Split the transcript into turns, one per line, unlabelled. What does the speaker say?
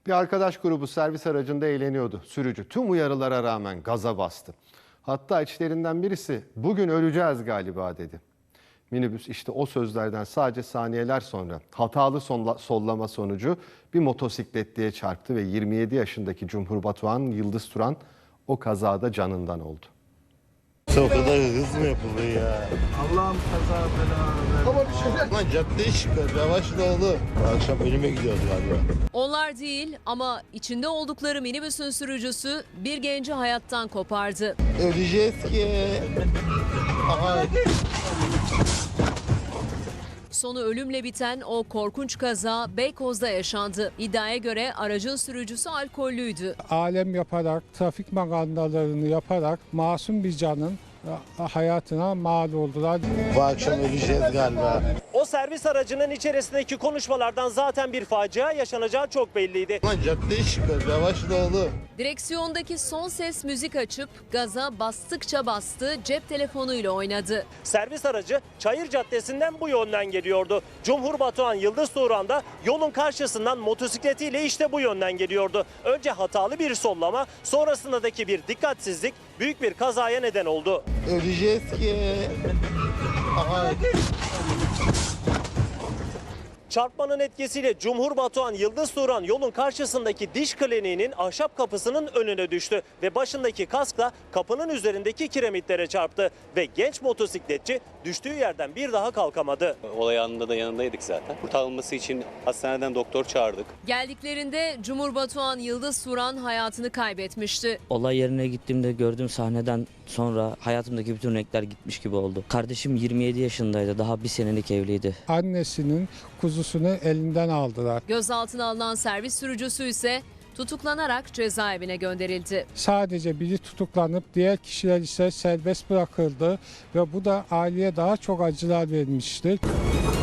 Bir arkadaş grubu servis aracında eğleniyordu. Sürücü tüm uyarılara rağmen gaza bastı. Hatta içlerinden birisi "bugün öleceğiz galiba" dedi. Minibüs işte o sözlerden sadece saniyeler sonra hatalı sollama sonucu bir motosikletliye çarptı ve 27 yaşındaki Cumhur Batuhan Yıldız Turan o kazada canından oldu.
O kadar hız mı yapılır ya?
Allah'ım kaza bela.
Lan caddeye çıkıyor. Yavaş da oğlum. Akşam ölüme gidiyoruz galiba.
Onlar değil ama içinde oldukları minibüsün sürücüsü bir genci hayattan kopardı.
Öleceğiz ki. Aha.
Sonu ölümle biten o korkunç kaza Beykoz'da yaşandı. İddiaya göre aracın sürücüsü alkollüydü.
Alem yaparak, trafik magandalarını yaparak masum bir canın hayatına mal oldular.
Bu akşam öleceğiz galiba.
O servis aracının içerisindeki konuşmalardan zaten bir facia yaşanacağı çok belliydi.
Lan caddeye çıkıyor. Yavaş da oğlum.
Direksiyondaki son ses müzik açıp gaza bastıkça bastı, cep telefonuyla oynadı.
Servis aracı Çayır Caddesi'nden bu yönden geliyordu. Cumhur Batuhan Yıldız Turan da yolun karşısından motosikletiyle işte bu yönden geliyordu. Önce hatalı bir sollama, sonrasındaki bir dikkatsizlik büyük bir kazaya neden oldu.
Öleceğiz ki. Aha.
Çarpmanın etkisiyle Cumhur Batuhan Yıldız Turan yolun karşısındaki diş kliniğinin ahşap kapısının önüne düştü ve başındaki kaskla kapının üzerindeki kiremitlere çarptı ve genç motosikletçi düştüğü yerden bir daha kalkamadı.
Olay anında da yanındaydık zaten. Kurtarılması için hastaneden doktor çağırdık.
Geldiklerinde Cumhur Batuhan Yıldız Turan hayatını kaybetmişti.
Olay yerine gittiğimde gördüğüm sahneden sonra hayatımdaki bütün renkler gitmiş gibi oldu. Kardeşim 27 yaşındaydı, daha bir senelik evliydi.
Annesinin kuzusunu elinden aldılar.
Gözaltına alınan servis sürücüsü ise tutuklanarak cezaevine gönderildi.
Sadece biri tutuklanıp diğer kişiler ise serbest bırakıldı ve bu da aileye daha çok acılar vermiştir.